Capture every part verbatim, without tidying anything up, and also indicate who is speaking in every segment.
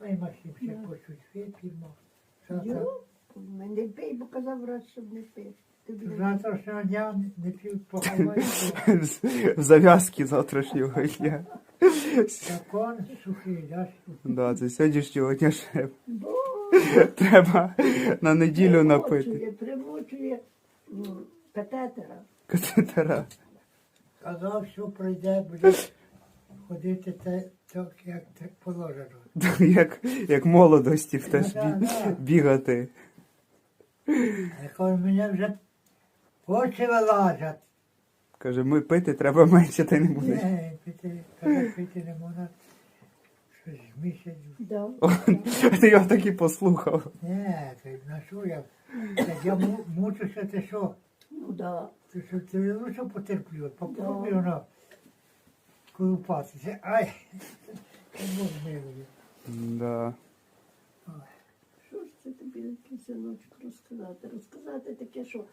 Speaker 1: Ой, Максим, ще
Speaker 2: Да.
Speaker 1: почуть вип'ємо. Завтра,
Speaker 2: Йо, не пий, бо казав врач, щоб не пив. Тобі не
Speaker 1: завтрашнього дня не пів поховати.
Speaker 3: В зав'язки завтрашнього дня.
Speaker 1: Закон сухий, да?
Speaker 3: Да, це сьогоднішнього дня ще
Speaker 2: Бо
Speaker 3: треба на неділю напити.
Speaker 2: примочує, примочує м, катетера.
Speaker 3: Катетера.
Speaker 1: Казав, що пройде, буде ходити те, так, як те положено.
Speaker 3: Як, як молодості в теж
Speaker 1: Да,
Speaker 3: бі-
Speaker 1: да.
Speaker 3: бігати.
Speaker 1: Я кажу, мене вже очі вилазять.
Speaker 3: Каже, ми пити треба менше, та й не будеш.
Speaker 1: Ні, пити, каже, пити не можна. Щось місяць.
Speaker 2: Да.
Speaker 3: Ти його так і послухав.
Speaker 1: Ні, ти на що я? Так я му- мучуся, ти що?
Speaker 2: Ну да.
Speaker 1: Ти що, ти лучше потерплю, попробуй воно колупатися. Ай, не можу милою.
Speaker 3: Да.
Speaker 2: Що ж це тобі такий синочок розказати? Розказати таке, що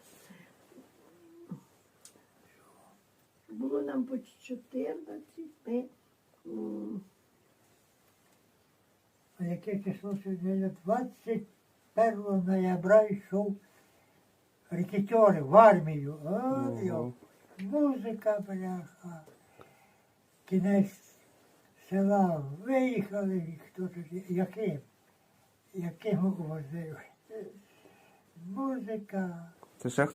Speaker 2: було нам по чотирнадцять, ми м,
Speaker 1: А яке число сьогодні? двадцять першого ноября йшов рекетери в армію.
Speaker 3: Ого.
Speaker 1: О, йо, музика, бляха. Кінець села виїхали, і хто тоді, яким? Яким возив? Музика.
Speaker 3: Це ще